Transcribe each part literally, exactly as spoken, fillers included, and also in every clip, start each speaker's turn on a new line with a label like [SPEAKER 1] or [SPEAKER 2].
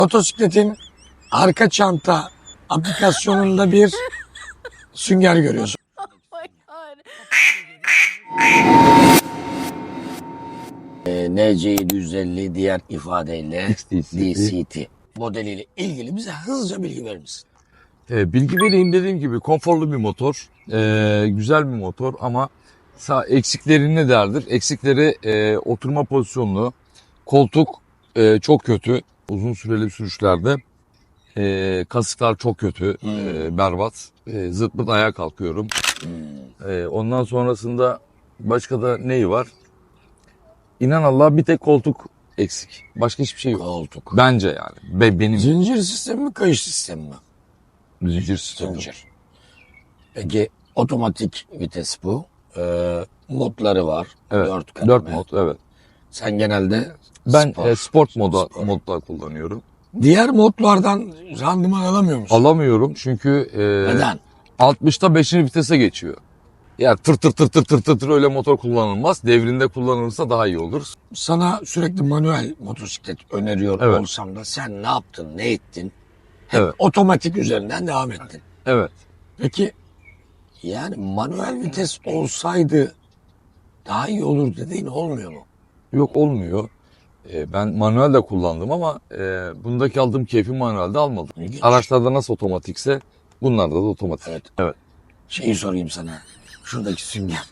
[SPEAKER 1] Motosikletin arka çanta aplikasyonunda bir sünger görüyorsun.
[SPEAKER 2] Oh my god.
[SPEAKER 3] N C yedi yüz elli diğer ifadeyle
[SPEAKER 4] D
[SPEAKER 3] D C T modeliyle ilgili bize hızlıca bilgi verir misin?
[SPEAKER 4] E, bilgi vereyim dediğim gibi konforlu bir motor, e, güzel bir motor ama sağ eksikleri ne derdir? Eksikleri e, oturma pozisyonu, koltuk e, çok kötü uzun süreli sürüşlerde. E, kasıklar çok kötü,
[SPEAKER 3] Hmm.
[SPEAKER 4] e, berbat. E, zırt pırt ayağa kalkıyorum.
[SPEAKER 3] Hmm.
[SPEAKER 4] E, ondan sonrasında başka da neyi var? İnan Allah bir tek koltuk eksik. Başka hiçbir şey yok.
[SPEAKER 3] Koltuk.
[SPEAKER 4] Bence yani. Be, benim
[SPEAKER 3] Zincir sistemi mi, kayış sistemi mi?
[SPEAKER 4] zincir sistemi.
[SPEAKER 3] Zincir. Peki otomatik vites bu. Ee, modları var.
[SPEAKER 4] Evet.
[SPEAKER 3] Dört kademe.
[SPEAKER 4] Dört mod, evet.
[SPEAKER 3] Sen genelde
[SPEAKER 4] Ben
[SPEAKER 3] spor,
[SPEAKER 4] e, sport moda
[SPEAKER 3] spor.
[SPEAKER 4] modda kullanıyorum.
[SPEAKER 1] Diğer modlardan randıman alamıyor musun?
[SPEAKER 4] Alamıyorum çünkü e,
[SPEAKER 3] Neden?
[SPEAKER 4] altmışta beşinci vitese geçiyor. Yani tır tır tır tır tır tır tır öyle motor kullanılmaz. Devrinde kullanılırsa daha iyi olur.
[SPEAKER 1] Sana sürekli manuel motosiklet öneriyor
[SPEAKER 4] Evet.
[SPEAKER 1] olsam da sen ne yaptın, ne ettin? Hep
[SPEAKER 4] Evet.
[SPEAKER 1] otomatik üzerinden devam ettin.
[SPEAKER 4] Evet.
[SPEAKER 1] Peki
[SPEAKER 3] Yani manuel vites olsaydı daha iyi olur dediğin olmuyor mu?
[SPEAKER 4] Yok olmuyor. E, ben manuel de kullandım ama e, bundaki aldığım keyfi manuelde almadım.
[SPEAKER 3] İlginç.
[SPEAKER 4] Araçlarda nasıl otomatikse bunlarda da otomatik.
[SPEAKER 3] Evet.
[SPEAKER 4] Evet.
[SPEAKER 3] Şeyi sorayım sana. Şuradaki sünger.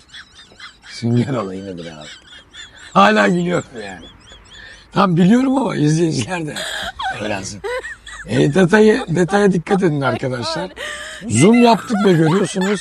[SPEAKER 3] Sünger olayı nedir abi?
[SPEAKER 1] hala gülüyorum yani. Tam biliyorum ama izleyiciler de öğrensin. E, detayı, detaya dikkat edin arkadaşlar. Zoom yaptık ve görüyorsunuz.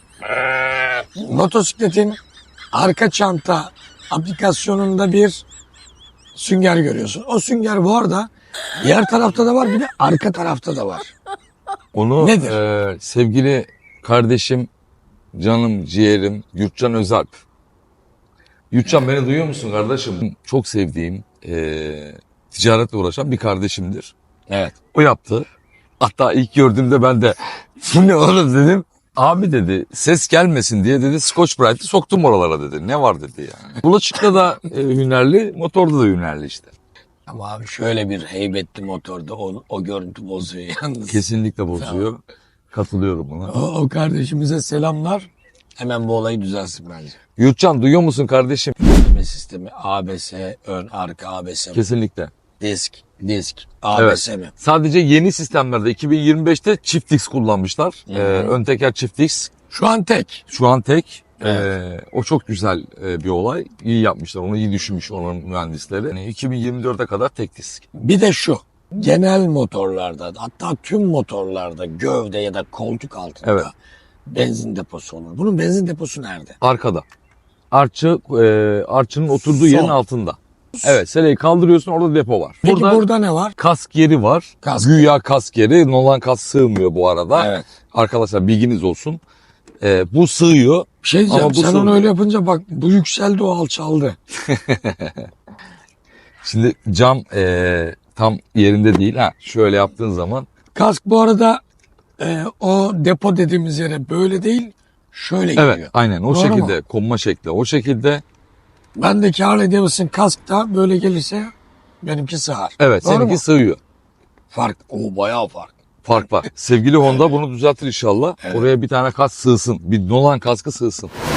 [SPEAKER 1] Motosikletin arka çanta aplikasyonunda bir sünger görüyorsun. O sünger bu arada diğer tarafta da var, bir de arka tarafta da var.
[SPEAKER 4] Onu
[SPEAKER 1] Nedir?
[SPEAKER 4] e, sevgili kardeşim, canım, ciğerim Yurtcan Özalp. Yurtcan beni duyuyor musun kardeşim? Çok sevdiğim, e, ticaretle uğraşan bir kardeşimdir.
[SPEAKER 3] Evet.
[SPEAKER 4] O yaptı. Hatta ilk gördüğümde ben de bu ne oğlum dedim. Abi dedi ses gelmesin diye dedi Scotch Brite'i soktum oralara dedi. Ne var dedi yani. Bulaşıkta da e, hünerli, motorda da hünerli işte.
[SPEAKER 3] Ama abi şöyle bir heybetli motorda o, o görüntü bozuyor yalnız.
[SPEAKER 4] Kesinlikle bozuyor. Katılıyorum buna.
[SPEAKER 1] O, o kardeşimize selamlar.
[SPEAKER 3] Hemen bu olayı düzelsin bence.
[SPEAKER 4] Yurtcan duyuyor musun kardeşim?
[SPEAKER 3] Yönetme sistemi A B S, ön, arka A B S mi?
[SPEAKER 4] Kesinlikle.
[SPEAKER 3] Disk, disk, A B S mi?
[SPEAKER 4] Sadece yeni sistemlerde iki bin yirmi beşte çift disk kullanmışlar.
[SPEAKER 3] Hı hı.
[SPEAKER 4] Ee, ön teker çift disk.
[SPEAKER 1] Şu an tek.
[SPEAKER 4] Şu an tek.
[SPEAKER 3] Evet.
[SPEAKER 4] Ee, o çok güzel e, bir olay. İyi yapmışlar. Onu iyi düşünmüş onun mühendisleri. Yani iki bin yirmi dörde kadar tek disk.
[SPEAKER 1] Bir de şu.
[SPEAKER 3] Genel motorlarda, hatta tüm motorlarda gövde ya da koltuk altında
[SPEAKER 4] Evet.
[SPEAKER 3] benzin deposu olur. Bunun benzin deposu nerede?
[SPEAKER 4] Arkada. Arçı, e, arçının oturduğu
[SPEAKER 3] Son.
[SPEAKER 4] yerin altında. Evet, seleyi kaldırıyorsun, orada depo var.
[SPEAKER 1] Peki
[SPEAKER 4] Burada,
[SPEAKER 1] burada ne var?
[SPEAKER 4] kask yeri var.
[SPEAKER 1] Kask.
[SPEAKER 4] Güya kask yeri. Nolan kask sığmıyor bu arada.
[SPEAKER 3] Evet.
[SPEAKER 4] Arkadaşlar bilginiz olsun. E, bu sığıyor.
[SPEAKER 1] Bir şey diyeceğim.
[SPEAKER 4] Ama bu
[SPEAKER 1] Sen
[SPEAKER 4] sorun-
[SPEAKER 1] onu öyle yapınca bak bu yükseldi, o alçaldı.
[SPEAKER 4] Şimdi cam e, tam yerinde değil. Ha, şöyle yaptığın zaman
[SPEAKER 1] Kask bu arada e, o depo dediğimiz yere böyle değil, şöyle
[SPEAKER 4] evet
[SPEAKER 1] giriyor.
[SPEAKER 4] aynen o
[SPEAKER 1] Doğru
[SPEAKER 4] şekilde
[SPEAKER 1] mu?
[SPEAKER 4] konma şekli o şekilde.
[SPEAKER 1] Bendeki Harley Davidson kask da böyle gelirse benimki sığar.
[SPEAKER 4] Evet
[SPEAKER 1] Doğru
[SPEAKER 4] seninki
[SPEAKER 1] mu?
[SPEAKER 4] sığıyor.
[SPEAKER 3] Fark, o bayağı fark.
[SPEAKER 4] Fark var. Sevgili Honda bunu düzeltir inşallah.
[SPEAKER 3] Evet.
[SPEAKER 4] Oraya bir tane kask sığsın. Bir Nolan kaskı sığsın.